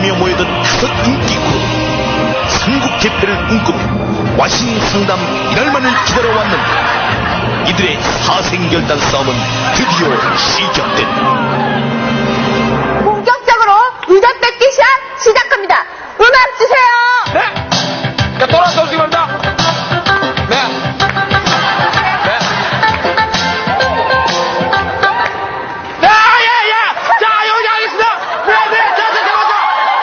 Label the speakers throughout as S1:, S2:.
S1: 몰리며 모여든 다섯 인기 그룹 삼국 개패를 꿈꾸며 와신 상담 이날만을 기다려왔는데 이들의 사생결단 싸움은 드디어 시작된다.
S2: 본격적으로 의자 뺏기 시작합니다. 음악 주세요.
S3: 네. 자, 돌아서 오시기 바랍니다. 네. 네. 네, 예, 예. 자, 여기 하겠습니다. 네, 네. 자, 잠깐만요.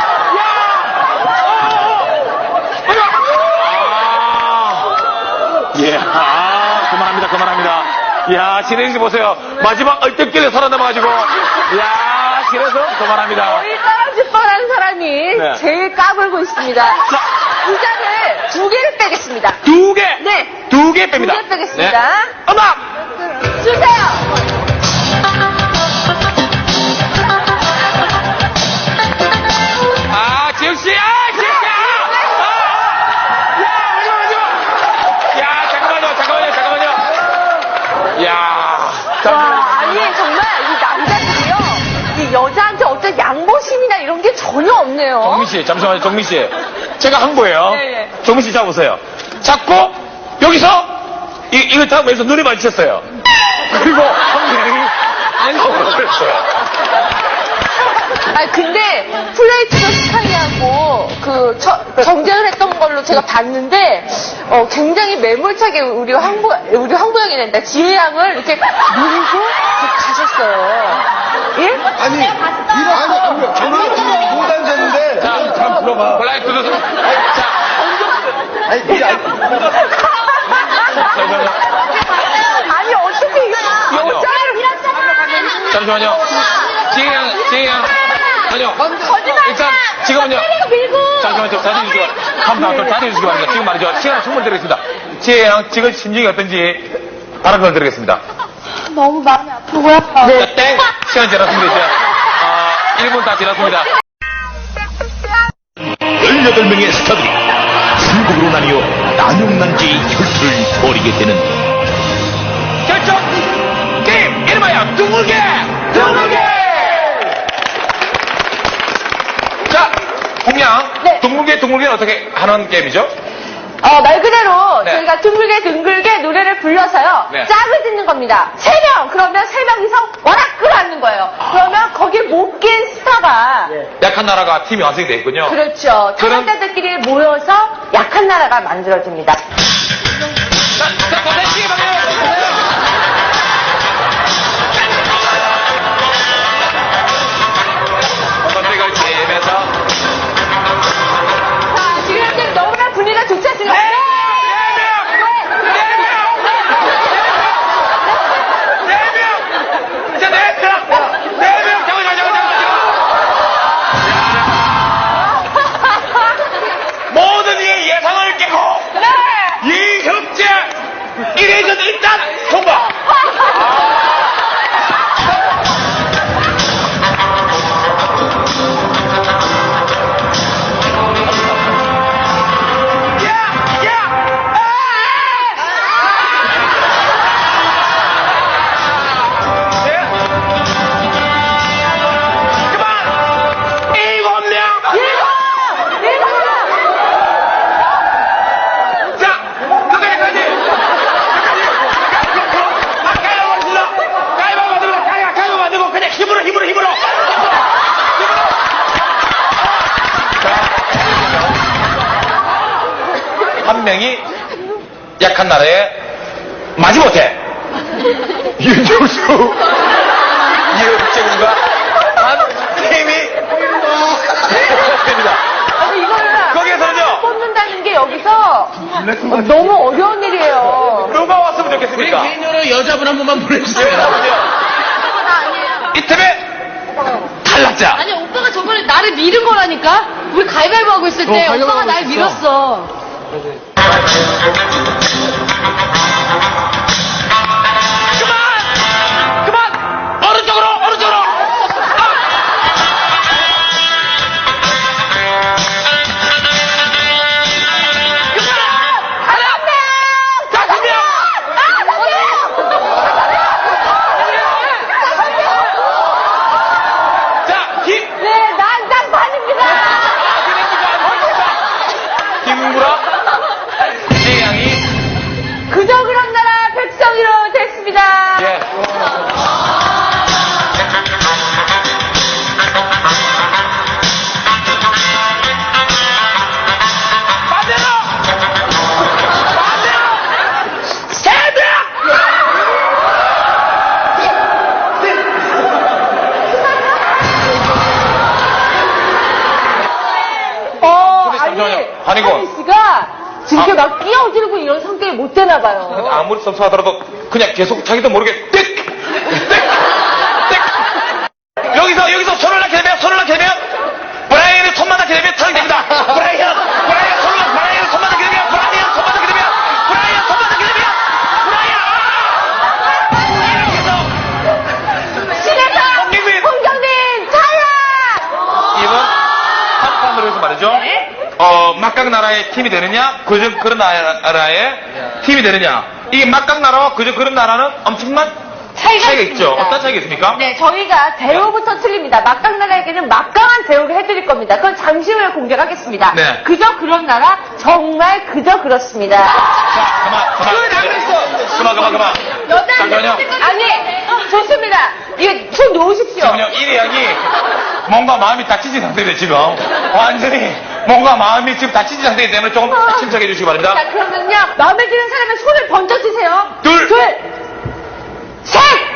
S3: 야. 아, 그만합니다. 야, 신혜진 씨 보세요. 마지막 얼떨결에 살아남아가지고. 야, 그래서 그만합니다.
S2: 거의 떨어질 뻔한 사람이
S3: 네.
S2: 제일 까불고 있습니다.
S3: 자.
S2: 의자를 2개를 빼겠습니다.
S3: 2개.
S2: 네.
S3: 2개 뺍니다.
S2: 2개 빼겠습니다.
S3: 네. 음악.
S2: 주세요.
S3: 아, 지혁 씨, 지혁 씨, 야, 잠깐만요. 야,
S2: 와, 아니 정말 이 남자들이요, 이 여자한테 어떤 양보심이나 이런 게 전혀 없네요.
S3: 정민 씨, 잠시만요, 정민 씨. 제가 한 거예요.
S2: 네.
S3: 정민 씨 잡으세요. 잡고 여기서 이걸 잡으면서 눈이 마주쳤어요. 그리고 한 명이 안성으로 그랬어요.
S2: 아 근데 플레이트도 스타일하고 그 경쟁을 했던 걸로 제가 봤는데 굉장히 매몰차게 우리 황보영이 된다. 지혜 양을 이렇게 밀고 이렇게 가셨어요. 예?
S4: 아니, 아니, 저는 못 앉았는데.
S3: 자,
S4: 참 불러봐.
S3: 블라이트도 자,
S4: 아니, 그게
S2: 아니 어떻게 여자를
S3: 잠시만요. 지혜 양. 아니요. 일단, 지금은요. 잠시만요. 자리 주시기 바랍니다. 자리 주시기 바랍니다. 지금 말이죠. 시간을 충분히 드리겠습니다. 지혜 양, 지금 심정이 어떤지 다른 걸 드리겠습니다.
S2: 너무 마음이 아프고요.
S3: 자, 땡! 시간 지났습니다, 이제. 1분 다 지났습니다.
S1: 18명의 스타들이 삼국으로 나뉘어 난용난지의 혈투를 벌이게 되는
S3: 결정! 게임! 이름하여 둥글게! 자, 홍양.
S2: 네.
S3: 둥글게는 어떻게 하는 게임이죠?
S2: 말 그대로
S3: 네.
S2: 저희가 둥글게 노래를 불러서요.
S3: 네.
S2: 짝을 짓는 겁니다. 3명. 그러면 3명이서 와락 끌어안는 거예요. 그러면 거기에 못 낀 스타가
S3: 약한 나라가 팀이 완성이 되어 있군요.
S2: 그렇죠.
S3: 그럼-
S2: 참가자들끼리 모여서 약한 나라가 만들어집니다.
S3: 자, 고생시기 바래요. 선택을 팀에서.
S2: 자, 지금 현재 너무나 분위기가 좋지 않습니까?
S3: 네 명! 자, 네 명! 잠깐만. 모든 이의 예상을 깨고 이 협제 1회전 일단 통과! 한 명이 약한 나라에 마지못해 윤정수 이혁재군과 한 팀이 됩니다.
S2: 아니, 이거를
S3: 거기에서는요
S2: 뽑는다는 게 여기서 너무 어려운 일이에요.
S3: 누가 왔으면 좋겠습니까?
S4: 개인으로 여자분 한 번만 보내주세요.
S3: 이 팀의 탈락자.
S5: 아니 오빠가 저번에 나를 밀은 거라니까. 우리 가위바위보 하고 있을 때
S4: 가위바위보
S5: 오빠가
S4: 하고
S5: 날
S4: 있었어.
S5: 밀었어.
S3: 그만! 오른쪽으로!
S2: 네, 난장판입니다.
S3: 아니고.
S2: 하민 씨가 지금 이렇게 막 끼어들고 이런 성격이 못 되나 봐요.
S3: 아무리 섭섭하더라도 그냥 계속 자기도 모르게 띡! 여기서 손을 낳게 되면 브라이언이 손만 낳게 되면 타락이 됩니다. 브라이언 손만 낳게 되면 브라이언 손만 낳게 되면
S2: 신에서 홍경민 탈락!
S3: 이번 한판으로 해서 말이죠. 막강 나라의 팀이 되느냐, 그저 그런 나라의 팀이 되느냐. 이 막강 나라와 그저 그런 나라는 엄청난 차이가 있죠.
S2: 있습니다.
S3: 어떤 차이가 있습니까?
S2: 네, 저희가 대우부터 틀립니다. 막강나라에게는 막강한 대우를 해드릴 겁니다. 그건 잠시 후에 공개하겠습니다.
S3: 네.
S2: 그저 그런 나라, 정말 그저 그렇습니다.
S3: 자, 그만. 잠깐만요.
S2: 아니, 좋습니다. 이거 손 놓으십시오.
S3: 지금요, 이리 양이 뭔가 마음이 다치진 상태인데, 지금. 완전히 뭔가 마음이 지금 다치진 상태이기 때문에 조금 침착해 주시기 바랍니다.
S2: 자, 그러면요. 마음에 드는 사람은 손을 번쩍 드세요.
S3: 둘.
S2: 셋!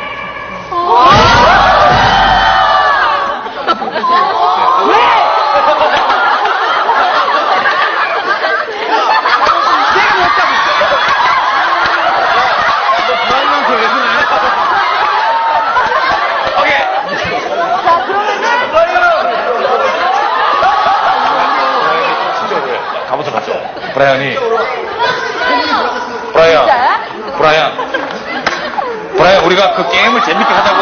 S2: 왜?
S3: 오케이.
S2: 자, 그러면은.
S3: 가보자, 가죠. 브라이언이. 브라이언, 우리가 그 게임을 재밌게 하자고.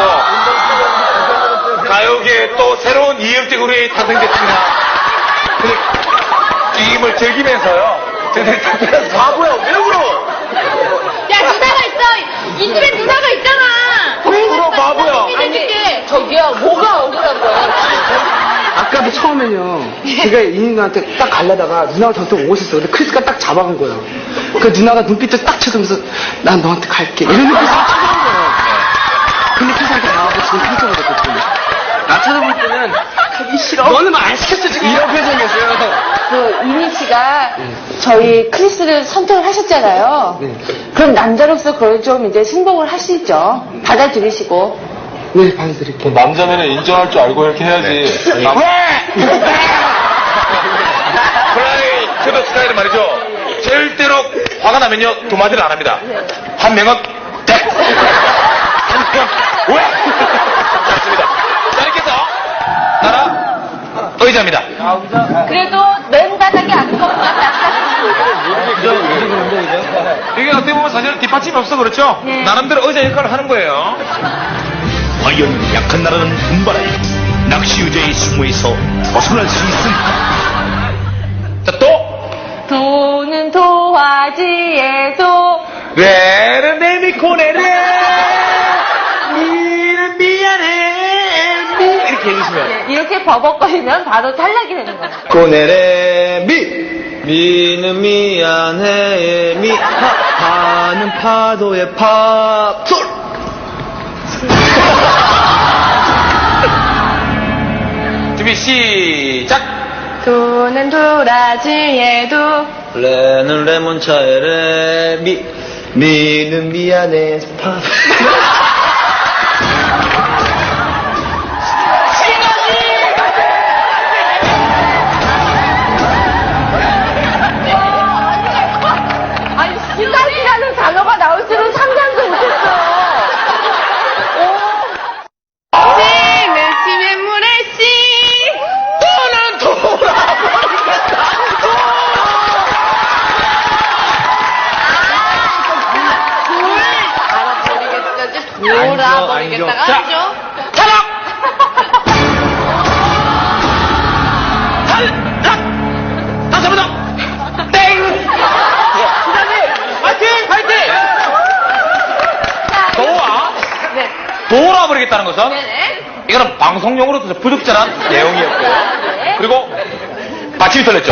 S3: 가요계에 또 새로운 이혁재 군이 탄생됐습니다. 근데 게임을 즐기면서요. 바보야, 왜 울어?
S5: 야, 누나가 있어. 이 집에 누나가 있잖아.
S3: 왜 울어, 바보야?
S5: 해줄게.
S2: 저기요, 뭐가 억울한 거예요?
S6: 아까도 처음에는요, 제가 이 누나한테 딱 가려다가 누나가 저한테 오고 있었어. 근데 크리스가 딱 잡아간 거예요. 그 누나가 눈빛을 딱 쳐주면서 난 너한테 갈게. 이런 눈빛을 쳐주는 거예요. 근데 크리스한테 나와서 지금 표정을 됐거든요. 나 쳐다볼 때는 가기 싫어. 너는 말 안 시켰어, 지금. 이런 표정이었어요.
S2: 그 이미 씨가 저희 크리스를 선택을 하셨잖아요.
S6: 네.
S2: 그럼 남자로서 그걸 좀 이제 승복을 하시죠. 받아들이시고.
S6: 네, 받아드릴게요.
S4: 남자면은 인정할 줄 알고 이렇게 해야지.
S3: 브라이 큐더 스타일은 말이죠. 절대로 화가 나면요, 두 마디를 안 합니다. 한 명은 땡! 한 명은 왜? 맞습니다. 자, 이렇게 해서 나라 의자입니다.
S2: 그래도 맨바닥에 앉거나
S3: 이게 어떻게 보면 사실은 뒷받침이 없어 그렇죠? 나름대로 의자 역할을 하는 거예요.
S1: 과연 약한 나라는 분발하여 낚시 의자의 수모에서 벗어날 수 있을까?
S3: 자, 또
S2: 도는 도화지에도
S3: 레를 내미코네레 미는 미안해 미 이렇게 해주시면
S2: 이렇게 버벅거리면 바로 탈락이 되는 겁니다.
S4: 고네레 미는 미안해 파는 파도의 파솔
S3: 준비 시작.
S2: 도는 도라지에도
S4: 레는 레몬차에 레 미는 미안해 파
S2: 아니 시간이라는 단어가 나올 줄은 상상도 못했어요.
S5: 멸치면 물에씨. 돌아버리겠다가
S3: 자,
S5: 하죠.
S3: 탈락! 탈락! 다시 한 번 더! 땡! 파이팅! 파이팅!
S2: 네.
S3: 돌아버리겠다는 것은
S2: 네네.
S3: 이거는 방송용으로도 부적절한 내용이었고요. 그리고 받침이 틀렸죠.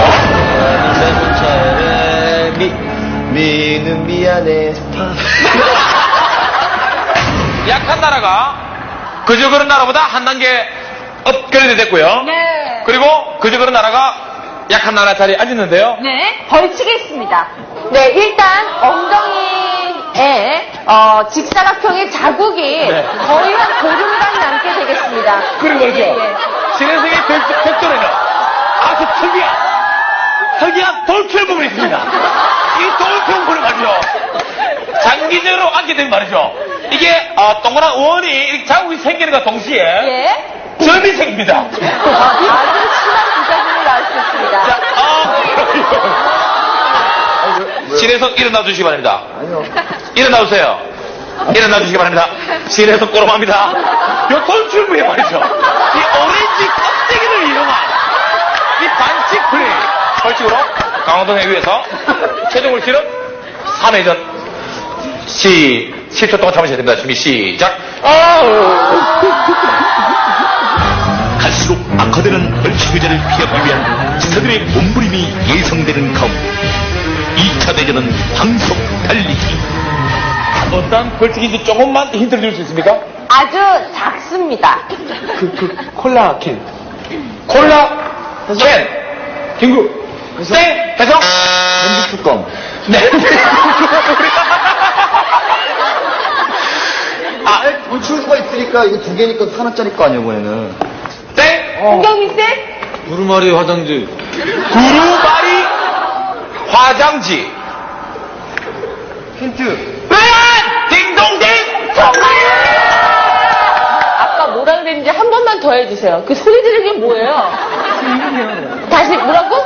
S4: 레몬차에 레 미는 미안해 파
S3: 약한 나라가 그저 그런 나라보다 한 단계 업그레이드 됐고요.
S2: 네.
S3: 그리고 그저 그런 나라가 약한 나라 자리에 앉았는데요.
S2: 네, 벌칙겠습니다. 네, 일단 엉덩이에 직사각형의 자국이
S3: 네.
S2: 거의 한 보름간 남게 되겠습니다.
S3: 그리고 그렇죠.
S2: 예, 예.
S3: 신혜생의 벽돌에는 아주 특이한 특이한 돌출 부분이 있습니다. 이 돌출 부분을 말이죠. 장기적으로 앉게 되면 말이죠. 이게 동그란 원이 이렇게 자국이 생기는 것과 동시에
S2: 예.
S3: 점이 생깁니다.
S2: 아주 심한 부작용이 나올 수 있습니다.
S3: 자, 진에서 일어나 주시기 바랍니다. 일어나 주세요. 일어나 주시기 바랍니다. 진에서 꼬름합니다. 요 돌출부에 말이죠. 이 오렌지 껍데기를 이용한 이 반칙 플레이. 벌칙으로 강호동 해위에서 최종 물질은 3회전 10초 동안 참으셔야 됩니다. 준비 시작.
S1: 갈수록 악화되는 벌칙 의자를 피하기 위한 지사들의 몸부림이 예상되는 가운데 2차 대전은 방석 달리기.
S3: 어떤 벌칙인지 조금만 힌트를 줄 수 있습니까?
S2: 아주 작습니다.
S6: 콜라 캔.
S3: 콜라 캔 김구 땡 해서
S4: 전기 뚜껑.
S3: 네.
S4: 돌출 수가 있으니까 이거 두 개니까 하나짜리 거 아니야, 이번에는.
S3: 땡
S2: 홍경민 쌤?
S4: 두루마리 화장지.
S3: 두루마리 화장지.
S4: 힌트.
S3: 딩동댕.
S2: 아까 뭐라 그랬는지 한 번만 더 해주세요. 그 소리 지르는 게 뭐예요? 다시 뭐라고?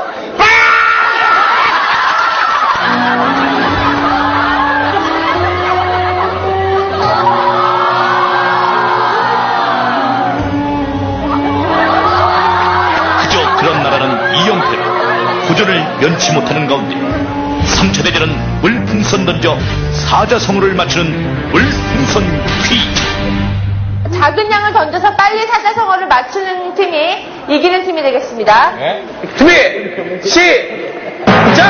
S1: 그저 그런 나라는 이영패로 구조를 면치 못하는 가운데 3차 대전은 물풍선 던져 사자성어를 맞추는 물풍선 퀴즈.
S2: 작은 양을 던져서 빨리 사자성어를 맞추는 팀이 이기는 팀이 되겠습니다.
S3: 네. 준비 시작.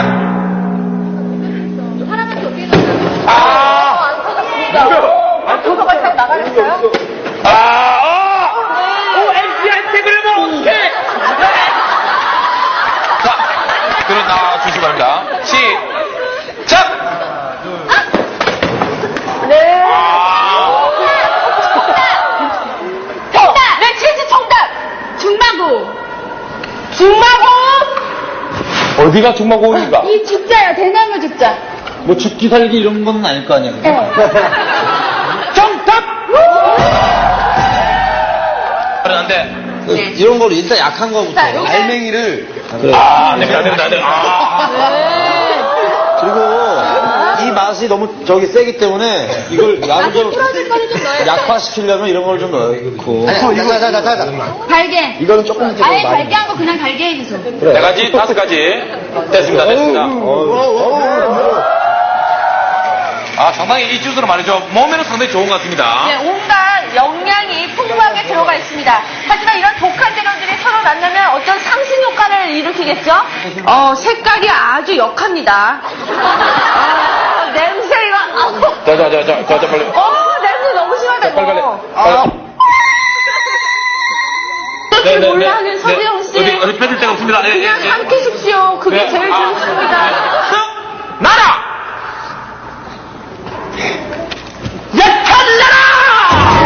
S2: 하나만 더 뛰어요.
S3: 아.
S2: 안 터졌습니다. 도서가 딱 나가겠어요?
S3: 오 MC한테 그러면 오케이. 자, 들어나 주시기 바랍니다. 시작.
S2: 네. 정답! 네, 치즈 정답! 중마고! 중마고!
S3: 어디가 중마고입니까?
S2: 이 죽자요, 대나무 죽자.
S4: 뭐 죽기 살기 이런 건 아닐 거 아니야.
S3: 정답. 그런데
S4: 이런 걸 일단 약한 거부터.
S2: 자, 요게-
S4: 알맹이를.
S3: 됩니다.
S4: 그리고 이 맛이 너무 세기 때문에 이걸 약을 좀
S2: 풀어줄 거는 좀 넣어요.
S4: 약화시키려면 이런 걸 좀 넣고. 자.
S5: 달게.
S4: 이거는 조금 이렇게
S5: 아예
S4: 많이.
S5: 달게 한 거 그냥 달게 해주세요.
S3: 4가지, 5가지 됐습니다. 상당히 이 주스는 말이죠. 몸에는 상당히 좋은 것 같습니다.
S2: 네, 온갖 영양이 풍부하게 들어가 있습니다. 하지만 이런 독한 재료들이 서로 만나면 어떤 상승 효과를 일으키겠죠? 색깔이 아주 역합니다. 냄새가,
S3: 자, 빨리.
S2: 냄새 너무 심하다,
S3: 빨리.
S2: 이거. 어떻게 몰라 하는 서지영 씨.
S3: 어디 펴줄 데가 없습니다.
S2: 그냥 삼키십시오. 그게
S3: 네.
S2: 제일 좋습니다.
S3: 나라! 약한 나라!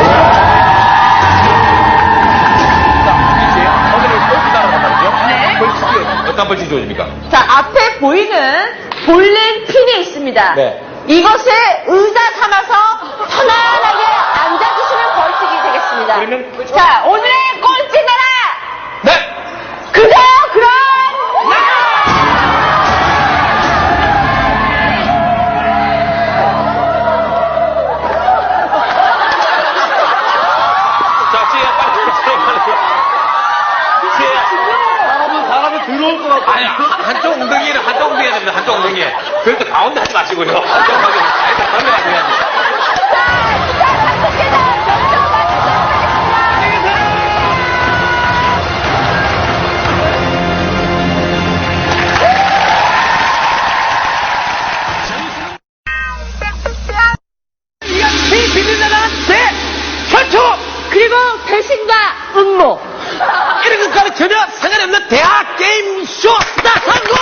S3: 자, 오늘은 벌칙 나라란 말이죠.
S2: 네.
S3: 벌칙이 어떤 벌칙이 주어집니까?
S2: 자, 앞에 보이는 볼링 핀이 있습니다.
S3: 네.
S2: 이것을 의자 삼아서 편안하게 앉아주시는 벌칙이 되겠습니다.
S3: 그러면-
S2: 자, 오늘의 꼴찌 나라!
S3: 네!
S2: 그저 그런
S3: 자, 지혜야, 빨리. 지혜야. 사람이 들어올 것 같아. 아니, 한쪽 엉덩이는 한쪽 엉덩이에 됩니다. 한쪽 엉덩이에. 그래도 가운데 하지 마시고요. 한쪽 엉덩이에. 일단 가운데 가셔야지. 이 비밀나라한테 선초!
S2: 그리고 배신과 음모.
S3: 이런 것과는 전혀 상관이 없는 대학 게임쇼 스타 선거!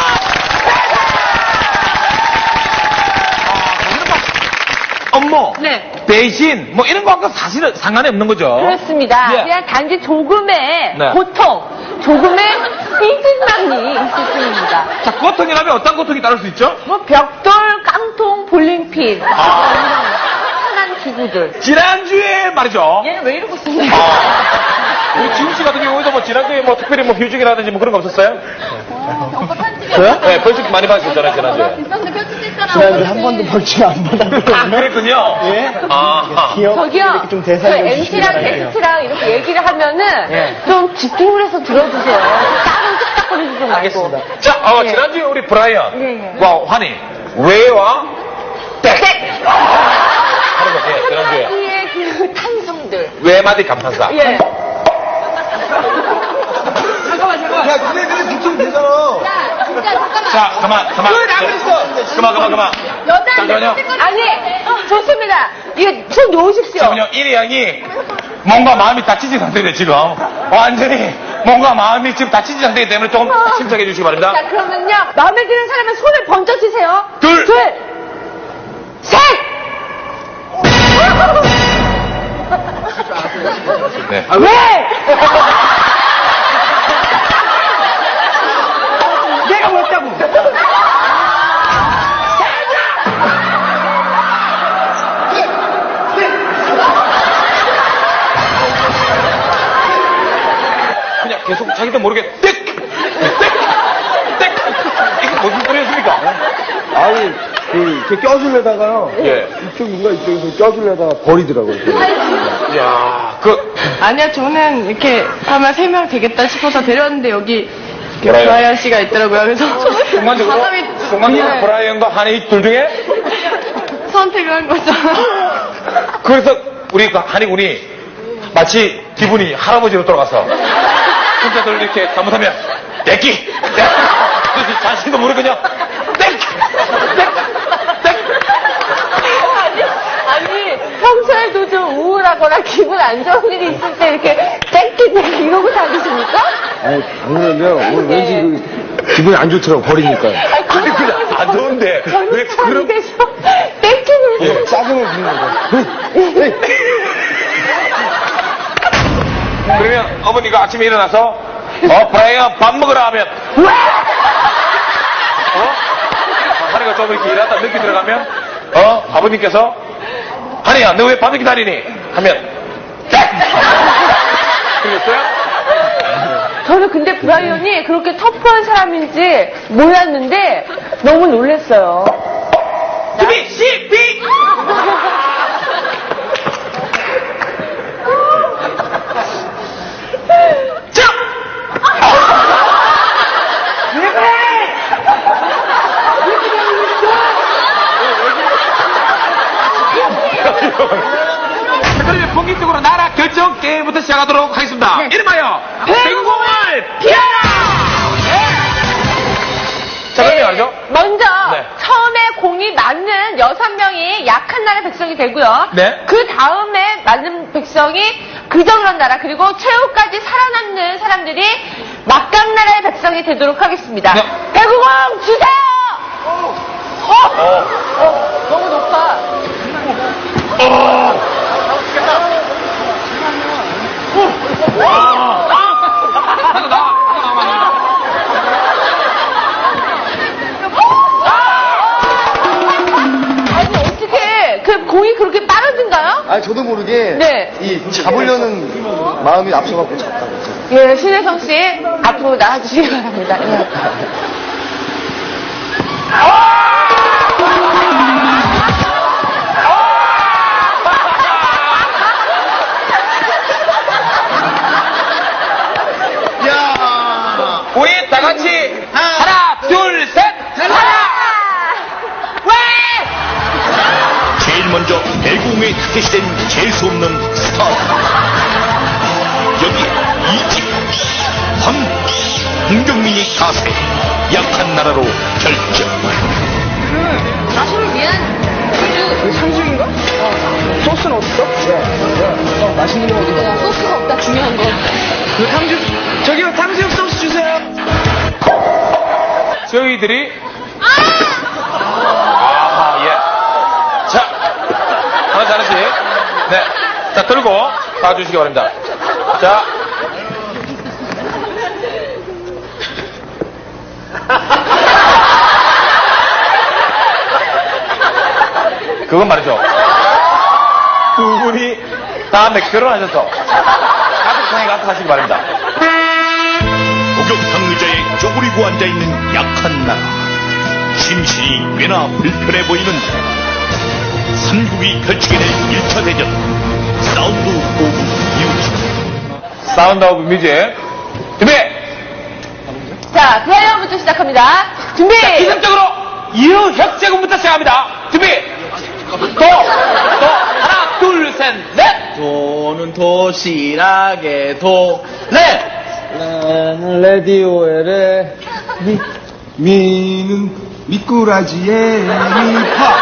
S3: 업무,
S2: 네.
S3: 배신, 뭐 이런 거하고 사실은 상관이 없는 거죠.
S2: 그렇습니다.
S3: 예.
S2: 그냥 단지 조금의
S3: 네.
S2: 고통, 조금의 이진망이 있을 뿐입니다.
S3: 자, 고통이라면 어떤 고통이 따를 수 있죠?
S2: 뭐 벽돌, 깡통, 볼링핀 편한 기구들.
S3: 지난주에 말이죠.
S2: 얘는 왜 이러고 있었냐?
S3: 우리 지훈 씨 같은 경우에도 뭐 지난주에 뭐 특별히 뭐 휴직이라든지 뭐 그런 거 없었어요?
S4: 저요?
S3: 네, 벌칙 많이 받으셨잖아요, 지난주에.
S4: 지난주에 한 번도 벌칙 안 받았거든요.
S3: 아, 그랬군요.
S4: 예?
S3: 아,
S2: 저기요,
S4: 이렇게 좀
S2: 그
S4: 대사해 주시기
S2: MC랑
S4: 바랄게요.
S2: 게스트랑 이렇게 얘기를 하면은
S4: 예.
S2: 좀 집중을 해서 들어주세요. 따로 뚝딱거리지 좀 말고.
S4: 알겠습니다.
S3: 자, 지난주에 우리 브라이언,
S2: 예.
S3: 와, 환희, 왜와 땡! 하는 거, 예, 지난주에.
S2: 이의 그 탄성들.
S3: 외마디 감탄사.
S2: 예.
S4: 야, 근데 붙으면 되잖아.
S2: 진짜 잠깐만.
S3: 자, 그만. 그만. 잠깐만요.
S2: 아니, 좋습니다. 이게 손 놓으십시오.
S3: 지금요, 이리 양이 뭔가 마음이 다치진 상태인데, 지금. 완전히 뭔가 마음이 지금 다치진 상태이기 때문에 조금 침착해 주시기 바랍니다.
S2: 자, 그러면요. 마음에 드는 사람은 손을 번쩍 치세요.
S3: 둘.
S2: 셋!
S3: 네.
S2: 왜?
S6: 내가 뭐였다고?
S3: 그냥 계속 자기도 모르게 땡! 이게 무슨 소리였습니까?
S4: 아니, 이렇게 껴주려다가요.
S3: 예.
S4: 이쪽인가 이쪽에서 껴주려다가 버리더라고요.
S3: 야,
S5: 아니요, 저는 이렇게 하면 3명 되겠다 싶어서 데려왔는데 여기
S3: 브라이언.
S5: 브라이언 씨가 있더라고요. 그래서
S3: 순간적으로
S5: 네.
S3: 브라이언과 한희 둘 중에
S5: 선택을 한 거죠.
S3: 그래서 우리 그 한희 군이 마치 기분이 할아버지로 돌아가서 혼자들 이렇게 잘못하면 내끼 그래서 자신도 모르게 그냥 땡
S2: 아니, 평소에도 좀 우울하거나 기분 안 좋은 일이 있을 때 이렇게 땡기땡 이러고 다니십니까?
S4: 아니, 당연하면 오늘 왠지 그 기분이 안 좋더라고, 버리니까.
S3: 아니 그냥 안 좋은데 왜 그런
S2: 그래서 땡기는
S4: 짜증을 부리는 거야.
S3: 그러면 어머니가 아침에 일어나서 브라이언 밥 먹으라 하면 왜? 한이가 좀 이렇게 일하다 늦게 들어가면 아버님께서 한이야 너 왜 밤에 기다리니? 하면 그랬어요?
S2: 저는 근데 브라이언이 그렇게 터프한 사람인지 몰랐는데 너무 놀랐어요.
S3: B 그러면 본격적으로 나라 결정 게임부터 시작하도록 하겠습니다. 이름하여 뱅공을 피하라! 자, 그러면 말이죠.
S2: 먼저
S3: 네.
S2: 처음에 공이 맞는 6명이 약한 나라 백성이 되고요.
S3: 네.
S2: 그 다음에 맞는 백성이 그정이란 나라 그리고 최후까지 살아남는 사람들이 막강나라의 백성이 되도록 하겠습니다.
S3: 네.
S2: 배구공 주세요! 너무 높아.
S3: 하나 나와.
S2: 아니 어떻게 그 공이 그렇게 빠르든가요?
S4: 아니, 저도 모르게.
S2: 네.
S4: 이 잡으려는 마음이 앞서갖고 잡다고.
S2: 예, 신혜성 씨 앞으로 나와주시기 바랍니다. 예.
S3: 우리 다 같이 하나, 둘, 셋!
S1: 제일 먼저 배구공에 타겟이 된 재수없는 스타. 여기 이집, 홍경민이 가세, 약한 나라로 결정.
S5: 서로 위한
S6: 상식인가? 소스는 어딨어? 맛있는 거 어디가?
S5: 소스가 없다, 중요한 거.
S6: 그 탕수육, 저기요, 탕수육 소스 주세요.
S3: 저희들이 아하, 예. 자, 하나씩. 네. 자, 들고 봐주시기 바랍니다. 자. 그건 말이죠. 두 분이 다음에 결혼하셔서 가족상에 가서 하시기 바랍니다.
S1: 목욕탕 의자에 쪼그리고 앉아있는 약한 나라. 심신이 꽤나 불편해 보이는데 삼국이 펼치게 될 1차 대전 사운드 오브 뮤직.
S3: 사운드 오브 뮤직. 준비!
S2: 자, 플레이어부터 시작합니다. 준비!
S3: 자, 기습적으로 이유협재군부터 시작합니다. 준비! 하나, 둘, 셋, 넷!
S4: 도는 도시락에 도. 레디오에 레.
S6: 미는 미꾸라지에 미파.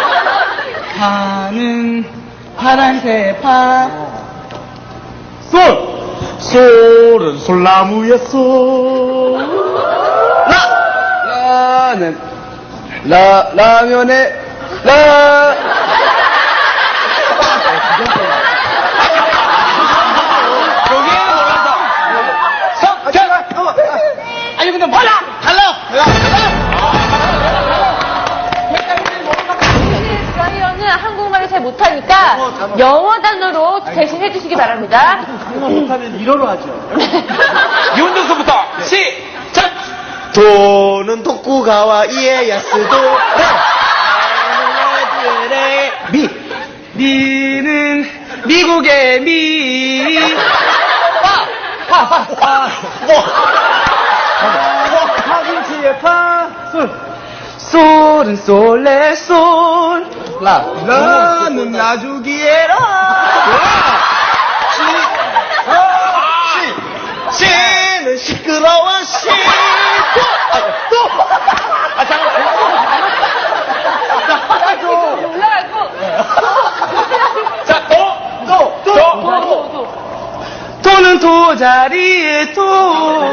S6: 파는 파란색 파.
S4: 솔은 솔나무에 솔.
S6: 라는 라면에 라.
S3: 여기에는 몰라서.
S6: 아니 근데 뭐야?
S2: 드라이어는 한국말을 잘 못하니까 영어 단어로 대신 해주시기 바랍니다.
S4: 못하면 일어로 하죠.
S3: 윤정수부터 시작!
S4: 도는 토쿠가와 이에야스도.
S6: 미는 미국의 미.
S4: 파김치의 파.
S6: 솔은 솔레 솔. 라는 라주기에 라.
S4: 시는 시끄러워 시.
S2: 올라가고.
S3: 자,
S6: 도는 도자리에 도.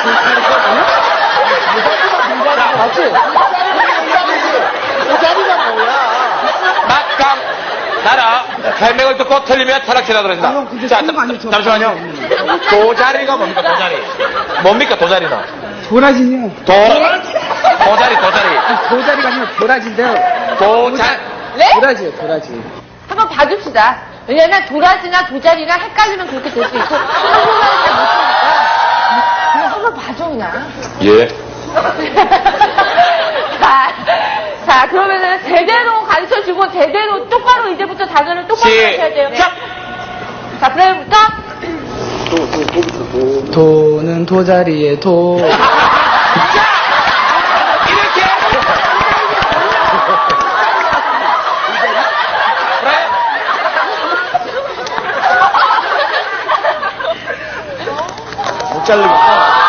S3: 막강 나라 별명을 듣고 틀리면 타락시라고 그랬습니다. 자, 잠시만요. 도자리가 뭡니까, 도자리? 뭡니까, 도자리는?
S6: 도라지요.
S3: 도자리.
S6: 도자리가 아니라 도라지인데요.
S2: 네?
S6: 도라지요, 도라지.
S2: 한번 봐줍시다. 왜냐면 도라지나 도자리나 헷갈리면 그렇게 될 수 있고 한국말을 잘 못하니까 그냥 한번 봐줘 그냥.
S3: 예.
S2: 자, 그러면은 제대로 가르쳐주고 제대로 똑바로 이제부터 단어를 똑바로 하셔야 돼요.
S3: 시작!
S2: 자, 그래부터
S6: 도는 도자리에 도.
S3: 이렇게!
S4: 못 자르겠다.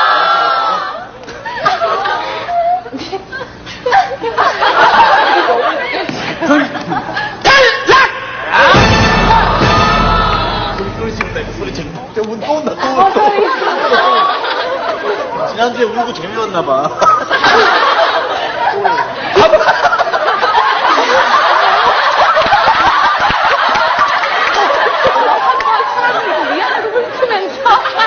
S4: 지난주에 울고 재미없나봐.
S2: 미안하고 훑으면서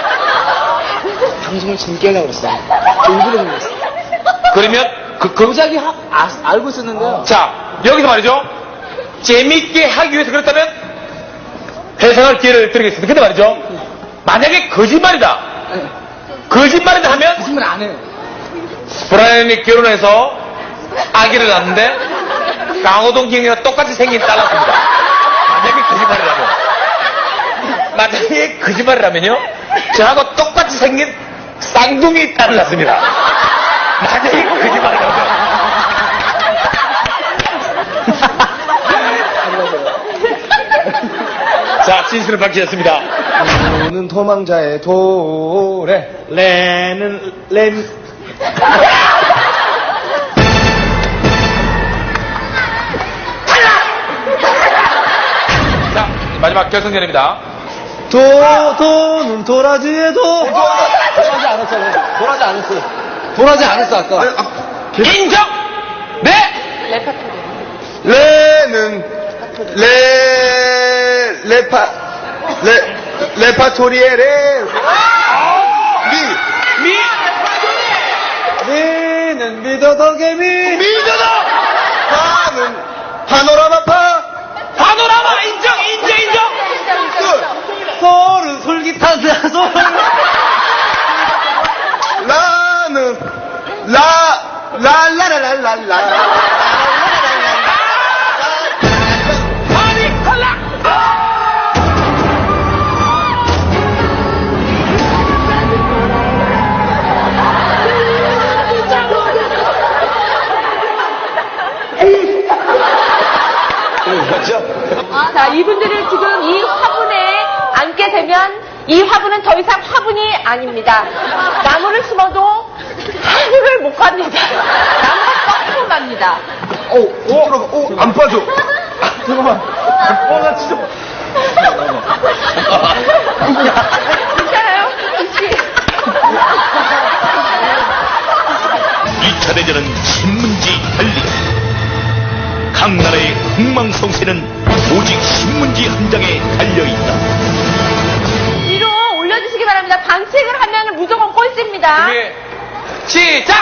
S6: 방송을 재밌게 하려고 그랬어. 일부러 그랬어.
S3: 그러면,
S6: 도자기 알고 있었는데요.
S3: 자, 여기서 말이죠. 재밌게 하기 위해서 그렇다면 해석할 기회를 드리겠습니다. 근데 말이죠. 만약에 거짓말이다. 거짓말이다 하면
S6: 거짓말 안 해요.
S3: 브라이언이 결혼해서 아기를 낳는데 강호동 경이랑 똑같이 생긴 딸 낳습니다. 만약에 거짓말이라면. 만약에 거짓말이라면요. 저하고 똑같이 생긴 쌍둥이 딸을 낳습니다. 만약에 거짓말이라면. 자, 진실을 밝히셨습니다.
S4: 도는 도망자의 도래. 레는 렌.
S3: 자, 마지막 결승전입니다.
S4: 도는 도라지의 도. 도라지 안 했잖아. 도라지 안 했어. 도라지 안 했어, 아까.
S3: 인정! 네!
S2: 레파토리.
S4: 레는 레파토리에 레. 미.
S3: 미!
S4: 네. 나는 믿어도 개미.
S1: 믿어도
S4: 나는 파노라마파.
S3: 파노라마 인정.
S4: 소르 솔깃하다 소르. 나는 라라라라라라.
S3: 아니 탈락.
S2: 자, 이분들을 지금 이 화분에 앉게 되면 이 화분은 더 이상 화분이 아닙니다. 나무를 심어도 하늘을 못 갑니다. 나무가 꺾고 갑니다.
S1: 안 빠져.
S4: 잠깐만. 나 진짜.
S2: 괜찮아요? 혹시?
S1: 2차 대전은 신문지 달리. 각 나라의 흥망성쇠는 오직 신문지 한 장에 달려있다.
S2: 위로 올려주시기 바랍니다. 반칙을 하면 무조건 꼴찌입니다.
S3: 준비 시작.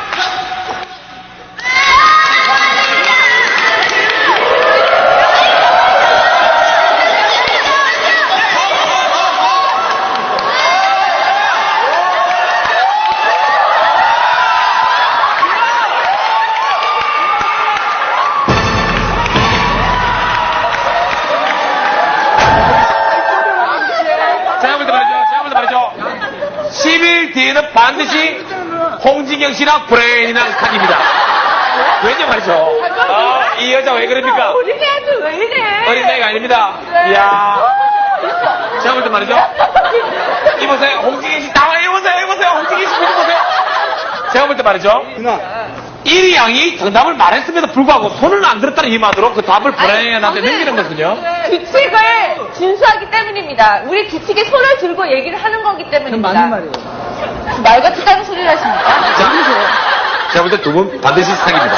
S3: 제가 볼 때 말이죠. 10일 뒤에는 반드시 홍진경 씨나 브레인이나 칸입니다. 왜냐 말이죠. 이 여자 왜 그럽니까?
S2: 어린애한테 왜 이래?
S3: 어린 나이가 아닙니다. 이야. 제가 볼 때 말이죠. 이보세요. 홍진경 씨 나와 이보세요. 홍진경 씨 보세요. 제가 볼 때 말이죠.
S4: 누나.
S3: 1위 양이 정답을 말했음에도 불구하고 손을 안 들었다는 이유만으로 그 답을 브레인한테 넘기는 거거든요.
S2: 규칙을 준수하기 때문입니다. 우리 규칙에 손을 들고 얘기를 하는 거기 때문입니다.
S6: 맞는 말이에요.
S2: 말 같은 다른 소리를 하십니까?
S3: 제가 볼 때 두 분 반드시 상입니다.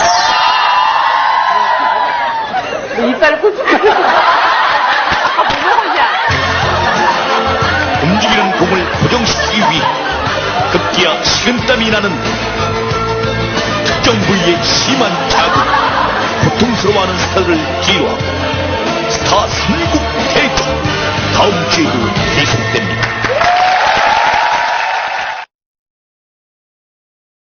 S2: 이빨을 꽂히고.
S1: 움직이는 공을 고정시키기 위해 급기야 식은땀이 나는 특정 부위의 심한 자극, 고통스러워하는 스타를 기로하고 스타 3국 대전 다음 주에도 계속